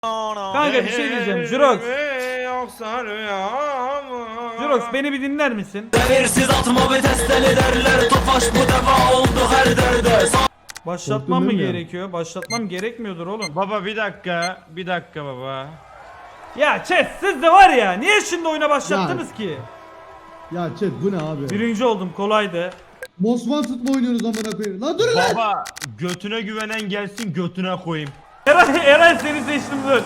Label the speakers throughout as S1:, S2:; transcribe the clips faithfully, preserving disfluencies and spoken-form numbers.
S1: Kanka bir şey diyeceğim Jurox.
S2: Yoksa rüya mı?
S1: Jurox beni bir dinler misin?
S3: Devirsiz atma ve testeli derler. Tofaş bu defa oldu her derde.
S1: Başlatmam mı
S4: Korktun değil mi?
S1: gerekiyor? Başlatmam gerekmiyordur oğlum.
S2: Baba bir dakika, bir dakika baba.
S1: Ya chat siz de var ya niye şimdi oyuna başlattınız ki?
S4: Ya chat bu ne abi?
S1: Birinci oldum kolaydı.
S4: Most Wanted mı oynuyoruz amına koyayım? Lan dur lan!
S2: Baba götüne güvenen gelsin götüne koyayım.
S1: Eray, Eray seni seçtim dur.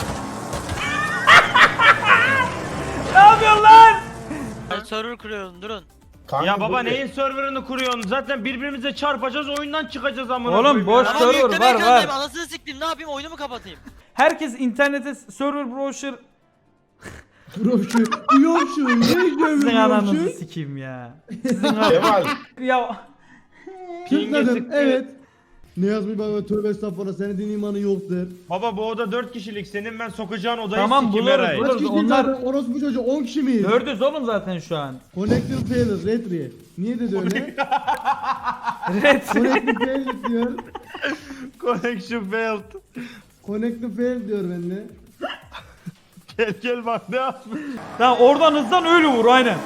S1: Ne yapıyorsun lan?
S5: Server kuruyorum durun.
S2: Ya baba neyin serverını kuruyorsun? Zaten birbirimize çarpacağız oyundan çıkacağız amına
S1: Oğlum
S2: koyayım
S1: boş
S2: ya.
S5: Ama
S1: server
S5: yükleme
S1: var
S5: ekrandayım,
S1: var.
S5: anasını siktim, ne yapayım, oyunu mu kapatayım?
S1: Herkes internete server browser
S4: Bro şu, uyuyorum şu, ne
S1: sizin
S4: görüyorum
S1: ananızı
S4: şu?
S1: sikeyim ya. Sizin an- ya
S4: Tıkladım, evet. Ne yazmış baba, tövbe estağfurullah, senin imanı yoktur.
S2: Baba bu oda dört kişilik, senin ben sokacağın odayı
S1: Tamam,
S2: sikim
S1: buluruz,
S2: Eray.
S1: buluruz.
S4: Kaç kişi
S1: onlar-
S4: onlar... orospu çocuğu, on kişi miyiz?
S1: dördüz oğlum zaten şu an.
S4: Connected failure, retry. Niye dedi öyle?
S1: Evet.
S4: Connected failure diyor.
S2: Connection failed.
S4: Connected failure diyor bende.
S2: Gel gel bak ne yapmış.
S1: Tamam oradan hızdan öyle vur aynen.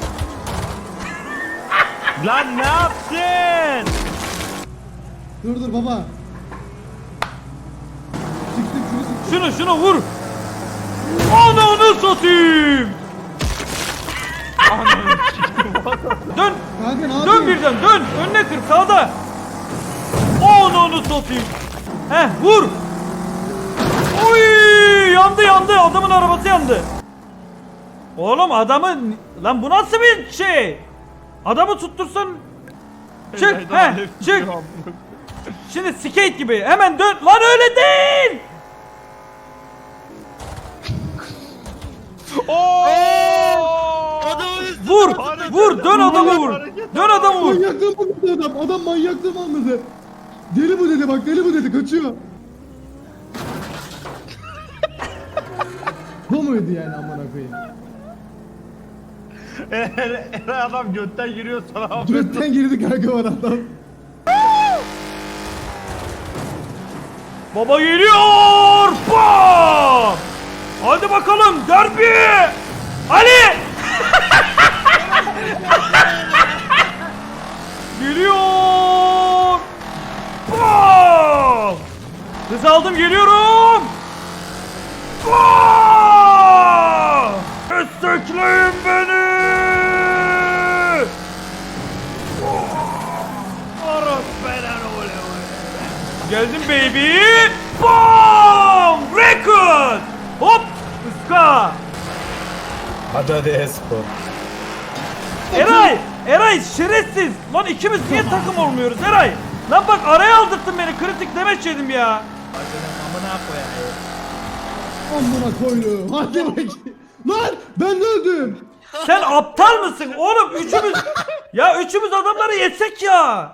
S2: Lan ne yaptın?
S4: Dur dur baba. Siktim şunu siktim.
S1: Şunu şunu vur. Ananı satayım. Dön.
S4: Kanka ne
S1: Dön
S4: yapıyorsun?
S1: birden dön. Önüne kır sağda. Ananı satayım. Heh vur. Oy yandı yandı. Adamın arabası yandı. Oğlum adamın lan bu nasıl bir şey? Adamı tuttursan çık he çık. Şimdi skate gibi hemen dön. Lan öyle değil.
S5: Adamın üstüne
S1: Vur
S2: Hareket,
S1: vur dön adamı vur.
S2: hareket,
S1: Dön adamı vur.
S4: Manyaklığım anladı adam. Adam manyaklığım anladı. Deli bu dedi bak, deli bu dedi, kaçıyor. Bu muydu yani amına koyayım?
S2: Eray adam götten giriyor sana.
S4: Götten girdi kanka var adam.
S1: Baba geliyor. Bam! Hadi bakalım derbi. Ali! Geliyor. Bam! Hız aldım geliyorum. Bam! Destekleyin beni. Aras belen ole ole. Geldim baby. Bam! Record. Hop! Iska.
S6: Hadi hadi espor.
S1: Eray! Eray şerefsiz! Lan ikimiz niye takım olmuyoruz Eray? Lan bak araya aldırttın beni, kritik demeç yedim ya.
S4: Amına koydu. Hadi bakayım. Lan ben de öldüm.
S1: Sen aptal mısın oğlum? Üçümüz... Ya üçümüz adamları yetsek ya.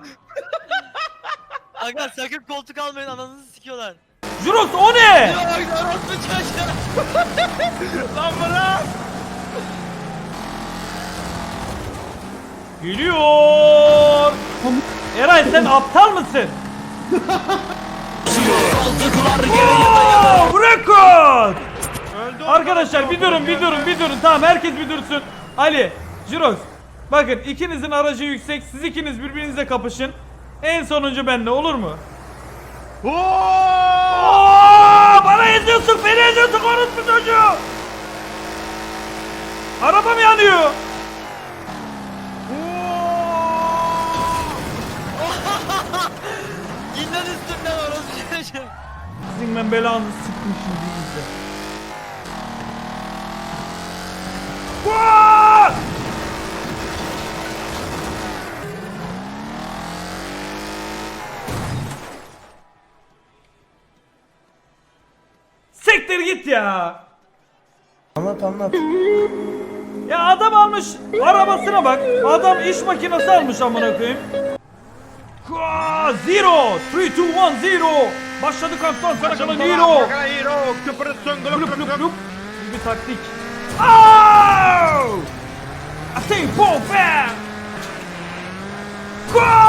S5: Aga sakın koltuk almayın, ananızı sikiyorlar.
S1: Jurox o ne?
S5: Ya bak orospu çocuğu.
S2: Lan bırak.
S1: Geliyor. Eray sen aptal mısın? Oh, record!
S2: Öldü
S1: Arkadaşlar bir durun bir durun bir durun, tamam herkes bir dursun. Ali, Jurox, bakın ikinizin aracı yüksek, siz ikiniz birbirinizle kapışın. En sonuncu benle, olur mu?
S2: Oo!
S1: Oo, bana eziyorsun, beni eziyorsun, orospu çocuğu. Arabam yanıyor.
S5: İn lan üstümden orospu çocuğu.
S1: Sizin ben belanızı sıktım şimdi izle. Vaa! Siktir git ya.
S6: Anlat anlat.
S1: Ya adam almış arabasına bak. Adam iş makinesi almış amına koyayım. Aa, Zero, three, two, one, zero. Başladı kaptan sana kalan hero.
S2: Hero. Kıpırıtsın gülüp
S1: Lup
S2: gülüp
S1: lup
S2: gülüp.
S1: lup. Bir taktik. Oh! I think boom bam. Go!